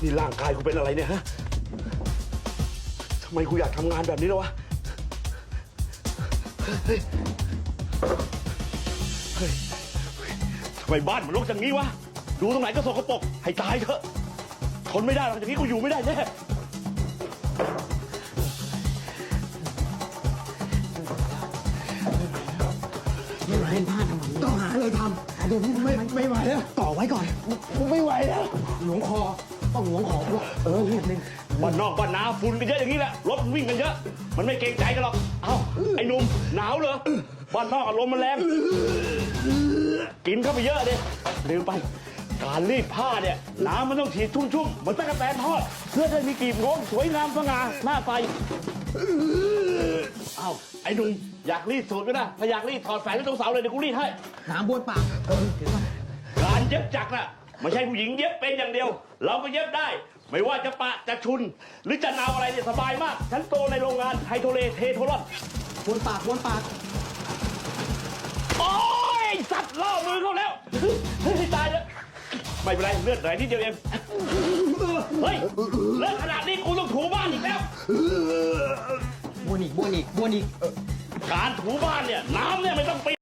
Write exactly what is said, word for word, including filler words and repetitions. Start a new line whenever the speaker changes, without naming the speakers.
นี่ร่างกายกูเป็นอะไรเนี่ยฮะทำไมกูอยากทำงานแบบนี้แล้ววะเฮ้ยเฮ้ยทำไมบ้านมันรกอย่างนี้วะดูตรงไหนก็สกปรกให้ตายเถอะทนไม่ได้หรอกอย่างนี้กูอยู่ไม่ได้แน่
ไม่ไหวบ้านต้องหาอะไรทำเดี๋ยวนี้ไม่ไม่ไหวแล้วต่อไว้ก่อนไม่ไหวแล้วหลวงคอต้องหลวงคอเออนิดนึง
บ้านนอกบ้านนาฝุ่นกันเยอะอย่างนี้แหละรถวิ่งกันเยอะมันไม่เกรงใจกันหรอกเอ้าไอ้หนุ่มหนาวเหรอบ้านนอกอารมณ์มันแรงกินเข้าไปเยอะดิลืมไปการรีดผ้าเนี่ยน้ำมันต้องฉีดชุ่มๆเหมือนตะกั่วแตนทอดเพื่อให้มีกลีบงงสวยงามสง่าหน้าใสเอ้าไอ้หนุ่มอยากรีดสูตรก็ได้ถ้าอยากรีดถอดแฝงที่ตรงเสาเลยเดี๋ยวกูรีดให้
น้ำบ้วนปากเออถือว่า
การเย็บจักรน่ะไม่ใช่ผู้หญิงเย็บเป็นอย่างเดียวเราก็เย็บได้ไม่ว่าจะปะจะชุนหรือจะนาวอะไรเนี่ยสบายมากฉันโตในโรงงานไฮโทเลเทโทรอน
บ้วนปากบ้วนปาก
โอ้ยสัตว์ล่อมือเขาแล้วเฮ้ยตายแล้วไม่เป็นไรเลือดไหลนิดเดียวเองเฮ้ยเลือดขนาดนี้กูต้องถูบ้านอีกแล้ว
บ้วนอีกบ้วนอีกบ้วนอีก
การถูบ้านเนี่ยน้ำเนี่ยไม่ต้องไป